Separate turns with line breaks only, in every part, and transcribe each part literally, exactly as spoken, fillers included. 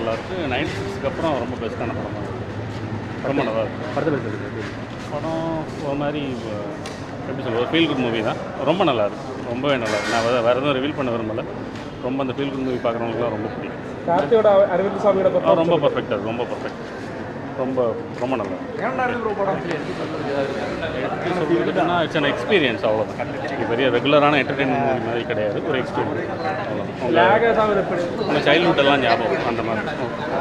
நல்லாயிருக்கு. நைன்டி சிக்ஸ்க்கு அப்புறம் ரொம்ப பெஸ்ட்டான படமாக இருக்குது. ரொம்ப நல்லா இருக்குது.
படத்தை பற்றி
படம் ஒரு மாதிரி எப்படி சொல்ல ஒரு ஃபீல் குட் மூவி தான். ரொம்ப நல்லா இருக்குது. ரொம்பவே நல்லா இருக்குது. நான் வேறு வேறு எதுவும் ரிவீல் பண்ண விரும்பலை. ரொம்ப அந்த ஃபீல் குட் மூவி பார்க்குறவங்களுக்குலாம் ரொம்ப பிடிக்கும்.
கார்த்தியோட அரவிந்த் சாமியோட
ரொம்ப பர்ஃபெக்டாக ரொம்ப பர்ஃபெக்ட் ரொம்ப ரொம்ப நல்லா சொல்லிட்டுன்னா இட்ஸ் அன் எக்ஸ்பீரியன்ஸ். அவ்வளோதான். பெரிய ரெகுலரான என்டர்டெயின்மெண்ட் மூவி மாதிரி கிடையாது. ஒரு எக்ஸ்பீரியன்ஸ் அவ்வளோ. உங்கள் சைல்ட்ஹுட் எல்லாம் ஞாபகம் அந்த மாதிரி.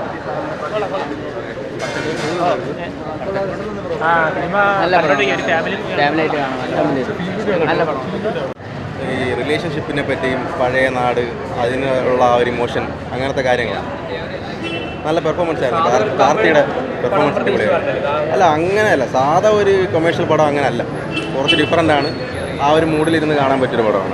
ഈ റിലേഷൻഷിപ്പിനെ പറ്റിയും പഴയ നാട് അതിനുള്ള ആ ഒരു ഇമോഷൻ അങ്ങനത്തെ കാര്യങ്ങളാണ്. നല്ല പെർഫോമൻസ് ആയിരുന്നു. കാർത്തിയുടെ പെർഫോമൻസ് അടിപൊളിയായിരുന്നു. അല്ല അങ്ങനെയല്ല, സാധാ ഒരു കൊമേഴ്ഷ്യൽ പടം അങ്ങനെയല്ല. കുറച്ച് ഡിഫറൻ്റ് ആണ്. ആ ഒരു മൂഡിലിരുന്ന് കാണാൻ പറ്റിയൊരു പടമാണ്.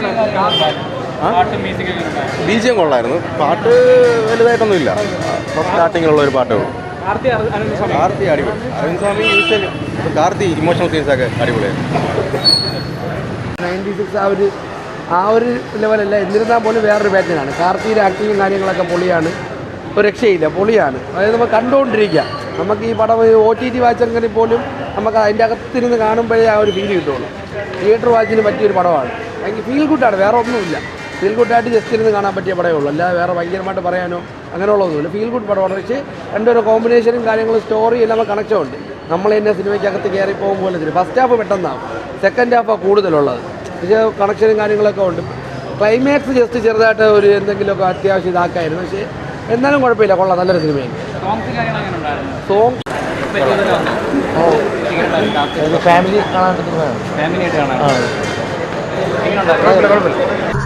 ബി ജി എം കൊള്ളായിരുന്നു. പാട്ട് വലുതായിട്ടൊന്നുമില്ല. ഫസ്റ്റ് സ്റ്റാർട്ടിങ്ങിലുള്ള ഒരു പാട്ടേ ഉള്ളൂ. കാർത്തി അടിപൊളി. അരവിന്ദ് സ്വാമി യൂഷ്വൽ കാർത്തി ഇമോഷണൽ സീൻസൊക്കെ അടിപൊളിയായിരുന്നു.
നയൻറ്റി സിക്സ് ആ ഒരു ആ ഒരു ലെവലല്ല. എന്നിരുന്നാൽ പോലും വേറൊരു പാറ്റേണാണ്. കാർത്തിയുടെ ആക്ടിങ്ങും കാര്യങ്ങളൊക്കെ പൊളിയാണ്. ഒരു രക്ഷയില്ല, പൊളിയാണ്. അതായത് നമ്മൾ കണ്ടുകൊണ്ടിരിക്കുക. നമുക്ക് ഈ പടം ഒ ടി ടി വാച്ചെങ്കിൽ പോലും നമുക്ക് അതിൻ്റെ അകത്തിരുന്ന് കാണുമ്പോഴേ ആ ഒരു ഫീൽ കിട്ടുള്ളൂ. തിയേറ്റർ വാച്ചിന് പറ്റിയൊരു പടമാണ്. ഭയങ്കര ഫീൽ ഗുഡാണ്. വേറെ ഒന്നുമില്ല. ഫീൽ ഗുഡായിട്ട് ജസ്റ്റ് ഇരുന്ന് കാണാൻ പറ്റിയ പടമേ ഉള്ളൂ. അല്ലാതെ വേറെ ഭയങ്കരമായിട്ട് പറയാനോ അങ്ങനെയുള്ളതൊന്നുമില്ല. ഫീൽ ഗുഡ് പടമാണ്. പക്ഷേ രണ്ടൊരു കോമ്പിനേഷനും കാര്യങ്ങളും സ്റ്റോറി എല്ലാം കണക്ഷൻ ഉണ്ട്. നമ്മൾ തന്നെ സിനിമയ്ക്കകത്ത് കയറി പോകും പോലെ തന്നെ. ഫസ്റ്റ് ഹാഫ് പെട്ടെന്നാവും, സെക്കൻഡ് ഹാഫാണ് കൂടുതലുള്ളത്. പക്ഷേ കണക്ഷനും കാര്യങ്ങളൊക്കെ ഉണ്ട്. ക്ലൈമാക്സ് ജസ്റ്റ് ചെറുതായിട്ട് ഒരു എന്തെങ്കിലുമൊക്കെ അത്യാവശ്യം ഇതാക്കായിരുന്നു. പക്ഷേ എന്നാലും കുഴപ്പമില്ല, കൊള്ളാം. നല്ലൊരു സിനിമയാണ്. സോങ് ഫാമിലി കാണാൻ
ഫാമിലി ആയിട്ട് കാണാൻ
കുഴപ്പമില്ല.